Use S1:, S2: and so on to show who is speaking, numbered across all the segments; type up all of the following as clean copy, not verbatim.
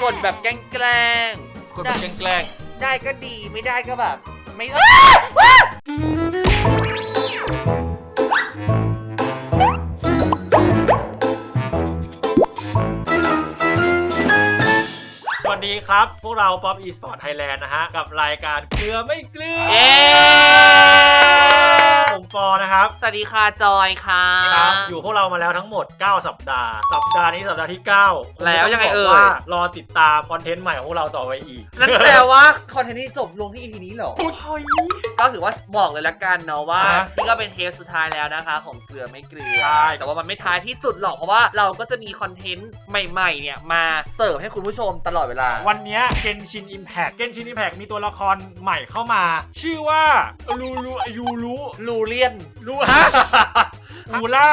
S1: กดแบบแกล้ง
S2: กดแบบแกล้ง
S1: ได้ก็ดีไม่ได้ก็แบบไม่
S2: สวัสดีครับพวกเรา Pop Esport Thailand นะฮะกับรายการเกลือไม่เกลือผมปอนะครับ
S1: สวัสดีค่ะจอยค่ะ
S2: ครับอยู่พวกเรามาแล้วทั้งหมด9สัปดาห์นี้สัปดาห์ที่9
S1: แล้วยังไง
S2: ว่ารอติดตามคอนเทนต์ใหม่ของพวกเราต่อไปอีก
S1: นั่นแปลว่าคอนเทนต์นี้จบลงที่ EP นี้เหรอ ก็ถือว่าบอกเลยละกันเนาะว่านี่ก็เป็นเทปสุดท้ายแล้วนะคะของเกลือไม่เกลือแต่ว่ามันไม่ท้ายที่สุดหรอกเพราะว่าเราก็จะมีคอนเทนต์ใหม่ๆเนี่ยมาเสิร์ฟให้คุณผู้ชมตลอดเวลา
S2: วันนี้เกนชินอิมแพคมีตัวละครใหม่เข้ามาชื่อว่าลูเลียนวูล่า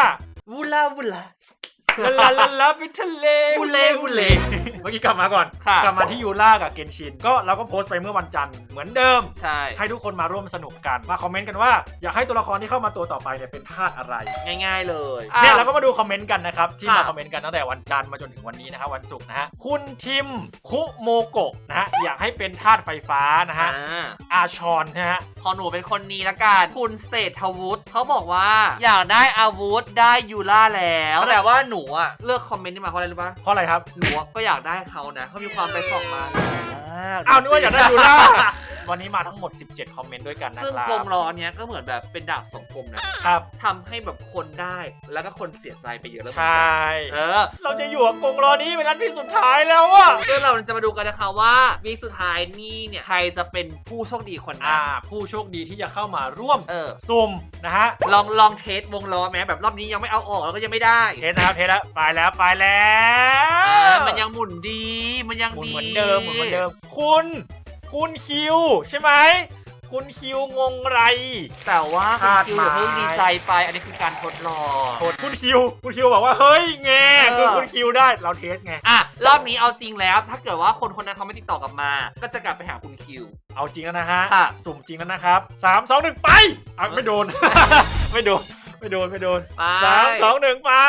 S2: ลาไปทะเล
S1: วูเล่
S2: เมื่อกี้กลับมาก่อนกลับมาที่ยูล่ากับเกนชินก็เราก็โพสต์ไปเมื่อวันจันทร์เหมือนเดิมให้ทุกคนมาร่วมสนุกกันมาคอมเมนต์กันว่าอยากให้ตัวละครที่เข้ามาตัวต่อไปเนี่ยเป็นธาตุอะไร
S1: ง่ายๆเลย
S2: เนี่ยเราก็มาดูคอมเมนต์กันนะครับที่มาคอมเมนต์กันตั้งแต่วันจันทร์มาจนถึงวันนี้นะครับวันศุกร์นะฮะคุณทิมคุโมโกะนะฮะอยากให้เป็นธาตุไฟฟ้านะฮะอาชอนนะฮะ
S1: พอหนูเป็นคนนี้ละกันคุณเศรษฐวุฒิเขาบอกว่าอยากได้อาวุธได้ยูล่าแล้วแต่ว่าหนูอะเลือกคอมเมนต์นี้มาเพราะอะไรรู้ปะ
S2: เพราะอะไรครับ
S1: หนูก็อยากได้เขานะเขามีความไปส่องมา
S2: อ้าวนึกว่าอยากได้ยูล่าวันนี้มาทั้งหมด17คอมเมนต์ด้วยกันนะครับซึ่ง
S1: กงล้อเนี้ยก็เหมือนแบบเป็นดาบสองคมนะครับทำให้แบบคนได้แล้วก็คนเสียใจไปเยอะแล้ว
S2: ใช่เราจะอยู่กับกงล้อนี้เป็นนัดที่สุดท้ายแล้วอะ
S1: ซึ่งเราจะมาดูกันนะคะว่าวีคสุดท้ายนี่เนี่ยใครจะเป็นผู้โชคดีคนนั้น
S2: ผู้โชคดีที่จะเข้ามาร่วมซุ่มนะฮะ
S1: ลองเทสวงล้อแม้แบบรอบนี้ยังไม่เอาออกแล้วก็ยังไม่ได้
S2: เทสนะครับเทสแล้วไปแล้ว
S1: มันยังหมุนดีมันยังดี
S2: เหมือนเดิมคุณคิวใช่ไหมคุณคิวงงไร
S1: แต่ว่าคุณคิวอย่าเพิ่งดีใจไปอันนี้คือการทดลอง
S2: คุณคิวบอกว่าเฮ้ยแงคือคุณคิวได้เราเทสไง
S1: รอบนี้เอาจริงแล้วถ้าเกิดว่าคนนั้นเขาไม่ติดต่อกลับมาก็จะกลับไปหาคุณคิว
S2: เอาจริงแล้วนะฮะสุ่มจริงแล้วนะครับ3 2 1ไปไม่โดน ไม่โดน3 2 1ไป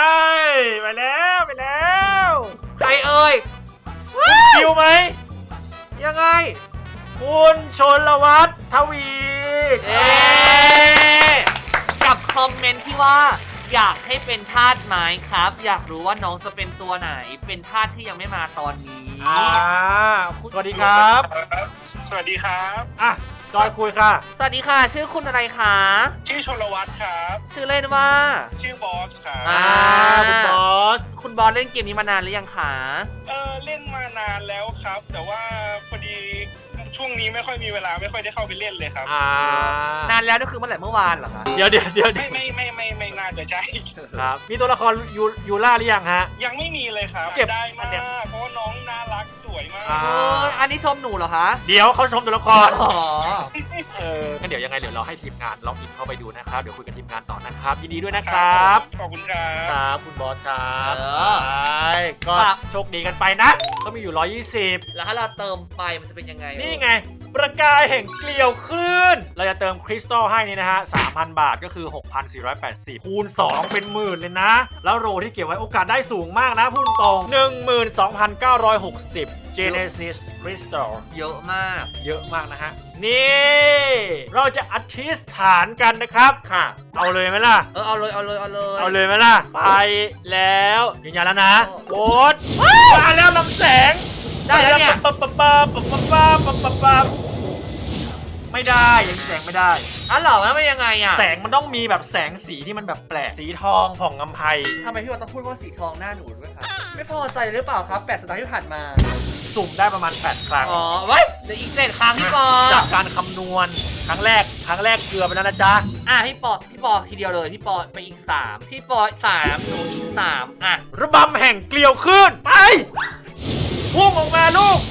S2: แล้ว
S1: ใครเอ่ย
S2: คุณคิวไหม
S1: ยังไง
S2: คุณชลวัฒน์ทวี
S1: กับคอมเมนต์ที่ว่าอยากให้เป็นธาตุไม้ครับอยากรู้ว่าน้องจะเป็นตัวไหนเป็นธาตุที่ยังไม่มาตอนนี้
S2: สวัสดีครับ
S3: สวัสดีครับ
S2: จอยคุยค่ะ
S1: สวัสดีค่ะชื่อคุณอะไรคะ
S3: ชื่อชลวัฒน์ครับ
S1: ชื่อเล่นว่า
S3: ชื่อบอสครับ
S1: คุณบอสเล่นเกมนี้มานานหรือยังคะ
S3: เล่นมานานแล้วครับแต่ว่าพอดีช่วงนี้ไม่ค่อยมีเวลาไม่ค่อยได้เข้าไปเล่นเลยครับ
S1: นานแล้วก็คือเมื่อไหร่เมื่อวานเหรอคะ
S2: เดี๋ยว
S3: ไม่น่าจะใช่
S2: ครับมีตัวละครยูล่าหรือยังฮะ
S3: ยังไม่มีเลยครับ
S2: เก็บ
S3: ได้มากเพราะว่าน้องน่ารักสวยมาก
S1: อันนี้ชมหนูเหรอคะ
S2: เดี๋ยวเขาชมตัวละครงั้นเดี๋ยวยังไงเดี๋ยวเราให้ทีมงานลองอินเข้าไปดูนะครับเดี๋ยวคุยกับทีมงานต่อนะครับยินดีด้วยนะครับ
S3: ขอบคุณครับ
S2: คุณบอสครับก็โชคดีกันไปนะเขามีอยู่120
S1: แล้วถ้าเราเติมไปมันจะเป็นยังไง
S2: นี่ไงประกายแห่งเกลียวคลื่นเราจะเติมคริสตัลให้นี่นะฮะ 3,000 บาทก็คือ 6,480 คูณ 2 เป็นหมื่นเลยนะแล้วโรที่เก็บไว้โอกาสได้สูงมากนะพูดตรง 12,960 Genesis Crystal
S1: เยอะมาก
S2: นะฮะนี่เราจะอธิษฐานกันนะครับ
S1: ค่ะ
S2: เอาเลยไหมล่ะ
S1: เอาเลย
S2: ไหมล่ะไปแล้วยืนยันแล้วนะกดมาแล้วลำแสง
S1: ได้แล้วเนี่ย
S2: ไม่ได้ยังแสงไม่ได้
S1: เหรอแล้วมันยังไง
S2: แสงมันต้องมีแบบแสงสีที่มันแบบแปลกสีทองผ่องอำไพ
S1: ทำไมพี่วอนต้องพูดว่าสีทองหน้าหนูด้วยครับไม่พอใจหรือเปล่าครับ8 สัปดาห์ที่ผ่านมา
S2: สุ่มได้ประมาณ8 ครั้ง
S1: เว้ยเดี๋ยวอีก7 ครั้งพี่ปอ
S2: จากการคำนวณครั้งแรกเกลือไปแล้วนะจ๊ะ
S1: พี่ปอทีเดียวเลยพี่ปอไปอีก3พี่ปอ3หนูอีก3
S2: ระบำแห่งเกลียวคลื่นไปพุ่งออกมาลูก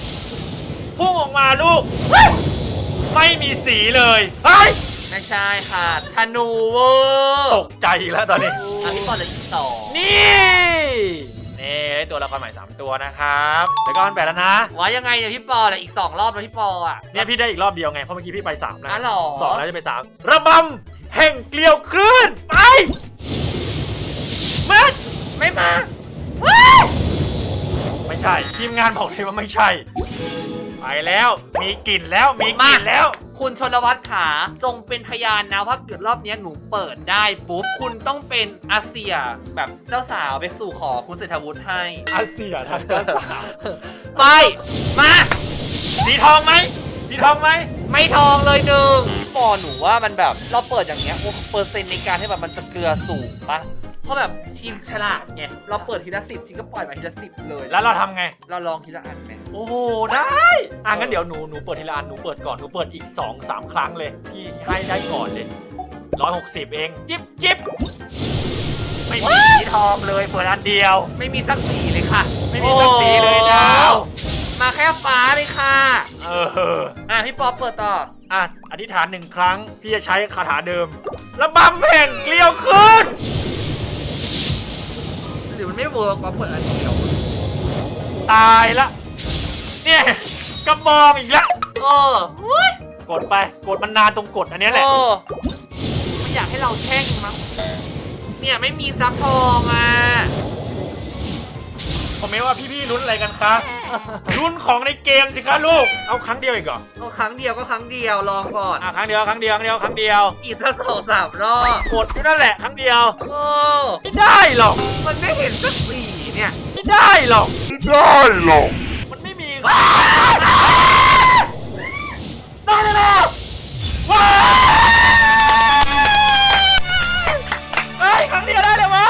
S2: ไม่มีสีเลย
S1: ไม่ใช่ค่ะธนูเวอร์
S2: ตกใจแล้วตอนนี้
S1: พี่ปอเหลืออีก2
S2: นี่ตัวละครใหม่3 ตัวนะครับแล้วก็มัน8แล้วนะ
S1: ว่ายังไงเนี่ยพี่ปอเหลืออีก2 รอบแล้วพี่ปอ
S2: เนี่ยพี่ได้อีกรอบเดียวไงเพราะเมื่อกี้พี่ไป3แล้ว
S1: 2
S2: แล้วจะไป3ระบำแห่งเกลียวคลื่นไปไม่
S1: มา
S2: ไม่ใช่ทีมงานบอกเลยว่าไม่ใช่ไปแล้วมีกลิ่นแล้วมีกลิ่นแล้ว
S1: คุณชนวัฒน์ขาจงเป็นพยานนะว่าเกิดรอบนี้หนูเปิดได้ปุ๊บคุณต้องเป็นอาเซียแบบเจ้าสาวไปสู่ขอคุณเศรษฐวุฒิให้
S2: อาเซียทางเจ้าสาว
S1: ไปมา
S2: สีทองไหมสีทองไหม
S1: ไม่ทองเลยหนึ่งปอหนูว่ามันแบบเราเปิดอย่างเงี้ยโอ้เปอร์เซ็นต์ในการที่แบบมันจะเกลือสูงปะเพราะแบบชิมฉลาดไงเราเปิดทีละ10ชิมก็ปล่อยมาทีละ10เลย
S2: แล้วเราทำไง
S1: เราลองทีละอันไหม
S2: โอ้โหได้งั้นเดี๋ยวหนูเปิดทีละอันหนูเปิดก่อนหนูเปิดอีก 2-3 ครั้งเลยพี่ให้ได้ก่อนเลย160เองจิ๊บไม่มีสีทองเลยเปิดอันเดียว
S1: ไม่มีสักสีเลยค่ะ
S2: ไม่มีสักสีเลยนะ
S1: โอ้มาแค่ฟ้าเลยค่ะ พี่ป๊อปเปิดต่อ
S2: อธิษฐาน1 ครั้งพี่จะใช้คาถาเดิมระบำแห่งเกลียวขึ้น
S1: หรือมันไม่เวิร์กว่าเปิดอันเดียว
S2: ตายละเนี่ยกระบองอีกแล้ว
S1: อุ๊ย
S2: กดไปกดมันนานตรงกดอันนี้แหละ
S1: ไม่อยากให้เราแช่งมั้งเนี่ยไม่มีซับทองอ่ะ
S2: ผมไม่ว่าพี่ลุ้นอะไรกันคะลุ้นของในเกมสิคะลูกเอาครั้งเดียวอีกเหรอ
S1: ก็ครั้งเดียวก็ครั้งเดียวลองก่อน
S2: ครั้งเดียว
S1: อีกสัก2-3 รอบ
S2: กดอยู่นั่นแหละครั้งเดียว
S1: โอ้
S2: ไม่ได้หรอก
S1: มันไม่เห็นสักสีเนี่ย
S2: ไม่ได้หรอกมันไม่มีได้แล้วว้าวเฮ้ยครั้งเดียวได้เลยวะ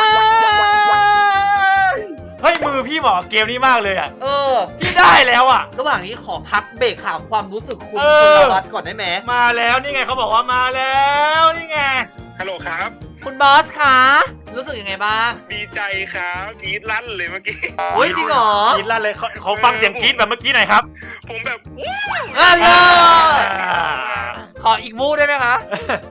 S2: เฮ้ยมือพี่เหมาะเกมนี้มากเลยอ่ะพี่ได้แล้วอ่ะ
S1: ระหว่างนี้ขอพักเบรกถามความรู้สึกคุณชลวัฒน์ก่อนได้ไหม
S2: มาแล้วนี่ไงเขาบอกว่ามาแล้วนี่ไง
S3: ฮัลโหลครับ
S1: คุณบอสคะรู้สึกยังไงบ้าง
S3: ดีใจครับกรี๊ดลั่นเลยเมื่อกี้
S1: โอ้ยจริงเหรอก
S2: รี๊ดลั่นเลยขอฟังเสียงกรี๊ดแบบเมื่อกี้หน่อยครับ
S3: ผมแบบวู้
S1: เลยขออีกมูได้ไหมคะ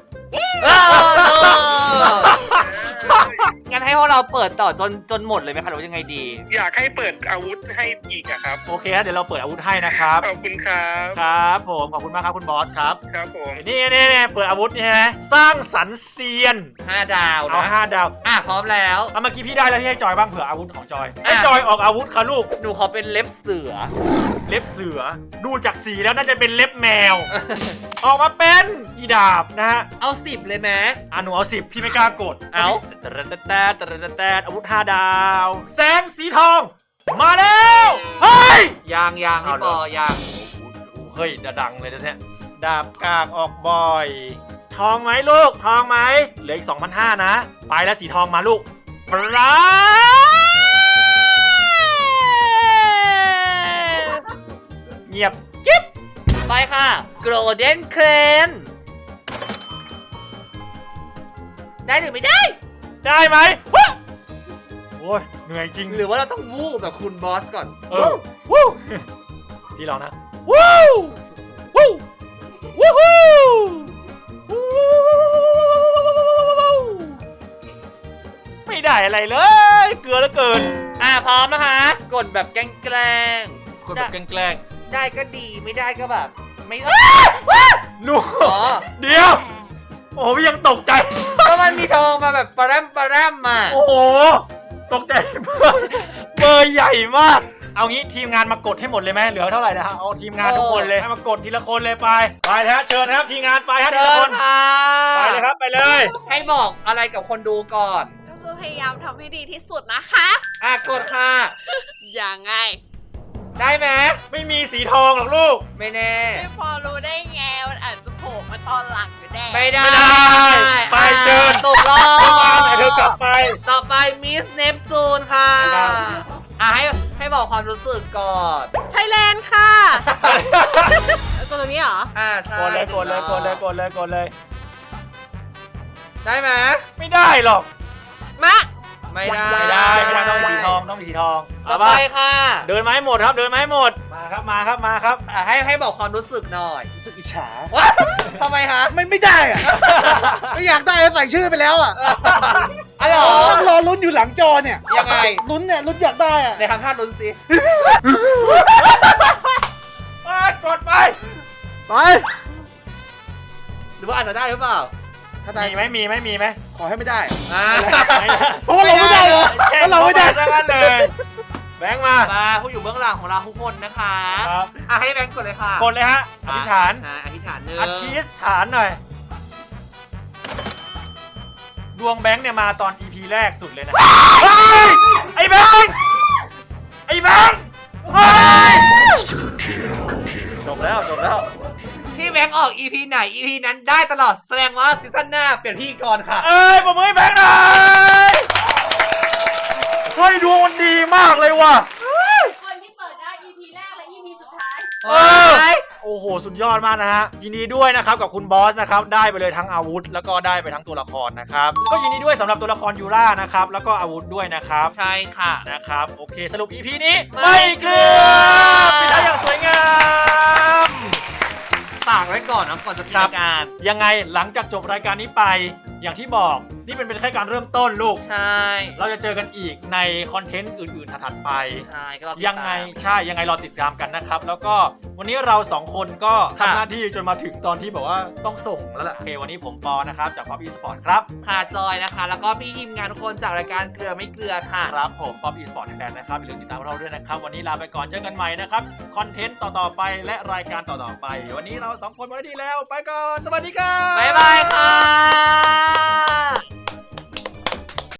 S1: งั้นให้พวกเราเปิดต่อจนหมดเลยไหมคะหรือว่ายังไงดี
S3: อยากให้เปิดอาวุธให้อีกอะครับ
S2: โอเคเดี๋ยวเราเปิดอาวุธให้นะครับ
S3: ขอบคุณครับ
S2: ครับผมขอบคุณมากครับคุณบอสครับ
S3: ครับผม
S2: นี่เปิดอาวุธนี่ฮะสร้างสรรค์เซียน
S1: 5 ดาว
S2: เอา
S1: นะ
S2: 5 ดาว
S1: พร้อมแล้ว
S2: เมื่อกี้พี่ได้แล้วที่ให้จอยบ้างเผื่ออาวุธของจอยให้จอยออกอาวุธค่ะลูก
S1: หนูขอเป็นเล็บเสือ
S2: เล็บเสือดูจากสีแล้วน่าจะเป็นเล็บแมว ออกมาเป็นอีดาบนะฮะ
S1: เอา10เลยไหม
S2: หนูเอา10พี่ไม่กล้ากดแต่อาวุธ5 ดาวแสงสีทองมาแล้วเฮ้ย
S1: ยางพี่ปอยาง
S2: เฮ้ยดังเลยนะเนี่ยดาบกากออกบ่อย ทองไหมลูกทองไหมเหลืออีก 2,500 นะไปแล้วสีทองมาลูกปราเงียบกิ๊บ
S1: ไปค่ะ Golden Crane ได้หรือไม่ได้
S2: ได้ไหมโอ้ยเหนื่อยจริง
S1: หรือว่าเราต้องวูบแบบคุณบอสก่อน
S2: วู้พี่ลองนะวู้วู้วู้ไม่ได้อะไรเลยเกลือเหลือเกิน
S1: พร้อมนะคะ กดแบบแกล้ง
S2: คนแบบแกล้ง
S1: ๆได้ก็ดีไม่ได้ก็แบบ ไม่
S2: หนูเดี๋ยวโอ้พี่ยังตกใจ
S1: ก็มันมีทองมาแบบปะแรมมา
S2: โอ้โหตกใจมากเบอร์ใหญ่มากเอางี้ทีมงานมากดให้หมดเลยไหมเหลือเท่าไหร่นะฮะเอาทีมงานทุกคนเลยให้มากดทีละคนเลยไปนะฮะเชิญนะครับทีมงานไปฮะทีละคนไปเลยครับไปเลย
S1: ให้บอกอะไรกับคนดูก่อน
S4: ก็พยายามทำให้ดีที่สุดนะคะ
S1: กดค่ะ
S4: อย่างไง
S1: ได้ไหม
S2: ไม่มีสีทองหรอกลูก
S1: ไม่แน่
S4: ไม่พอรู้ได้ไงมันอาจจะโผล่มาตอนหลังก็ได้
S1: ไม่ได้
S2: ไปเชิญ
S1: ตกรอบ
S2: เธอกลับไป
S1: ต่อไปมิสเนปจูนค่ะให้บอกความรู้สึกก่อน
S4: ไทยแลนด์ค่ะตัวตรงนี้เหรอ
S1: ใช่
S2: กดเลย
S1: ได้ไหม
S2: ไม่ได้หรอก
S4: มา
S1: ไม่ได้
S2: ไม่ได้ต้องมีสีทองต้องมีสีทอง
S1: ต่อไปค่ะ
S2: เดินไม้หมดครับเดินไม้หมดมาครับ
S1: ให้บอกความรู้สึกหน่อย
S5: รู้สึกอิจฉา
S1: ว้าทำไมคะ
S5: ไม่ได้อะ ไม่อยากได้ใส่ชื่อไปแล้วอ่ะ
S1: อะไรหรอ
S5: ต้องรอลุ้นอยู่หลังจอเนี่ย
S1: ยังไง
S5: ลุ้นเนี่ยลุ้นอยากได้อ่ะ
S1: ในทำท่าลุ้นสิ
S2: กดไป
S5: ไป
S1: หรือว่าอาจจะได้หรือเปล่า
S5: ถ้าได้
S2: มีไหม
S5: ขอให้ไม่ได้
S1: อ่า
S5: เพราะว่าเราไม่ได้เหรอเพราะเราไม่ได้
S2: ทั้งนั้นเลยแบงค์มา
S1: ผู้อยู่เบื้องหลังของเราทุกคนนะคะ
S2: ครับ
S1: ให้แบงค์กดเลยค่ะ
S2: กดเลยฮะอธิษฐาน
S1: ใช่อธิษฐานหนึ่ง
S2: อธิษฐานหน่อยดวงแบงค์เนี่ยมาตอน EP แรกสุดเลยนะไอ้แบงค์เฮ้ยจบแล้ว
S1: ที่แบงค์ออก EP ไหน EP นั้นได้ตลอดแสดงว่าซีซั่นหน้าเปลี่ยนพี่ก่อนค่ะ
S2: ปรบมือให้แบงค์หน่อยเฮ้ยดวงมันดีมากเลยว่ะ
S4: คนที่เปิดได้ EP แรกและ EP สุดท้าย
S2: โอ้โหสุดยอดมากนะฮะยินดีด้วยนะครับกับคุณบอสนะครับได้ไปเลยทั้งอาวุธแล้วก็ได้ไปทั้งตัวละครนะครับก็ยินดีด้วยสำหรับตัวละครยูรานะครับแล้วก็อาวุธด้วยนะครับ
S1: ใช่ค่ะ
S2: นะครับโอเคสรุป EP นี้ไม่เกลือปิดท้ายอย่างสวยงาม
S1: ฝากไว้ก่อนนะก่อนจะปิดรายการ
S2: ยังไงหลังจากจบรายการนี้ไปอย่างที่บอกนี่เป็นแค่การเริ่มต้นลูก
S1: ใช่
S2: เราจะเจอกันอีกในคอนเทนต์อื่นๆถัดๆไป
S1: ใช่ก็รอติดตาม
S2: ยังไงรอติดตามกันนะครับแล้วก็วันนี้เรา2คนก็
S1: ค่ะ
S2: ทำหน้าที่จนมาถึงตอนที่แบบว่าต้องส่งแล้วล่ะโอเควันนี้ผมปอนะครับจาก Pop Esport ครับ
S1: ค่ะจอยนะคะ แล้วก็พี่ทีมงานทุกคนจากรายการเกลือไม่เกลือค่ะ
S2: ครับผม Pop Esport Thailand นะครับอย่าลืมติดตามเราด้วยนะครับวันนี้ลาไปก่อนเจอกันใหม่นะครับคอนเทนต์ต่อๆไปและรายการต่อๆไปวันนี้เรา2คนหมดหน้าที่แล้วไปก่อนสวัสดีครับ
S1: บ๊ายบายค่ะ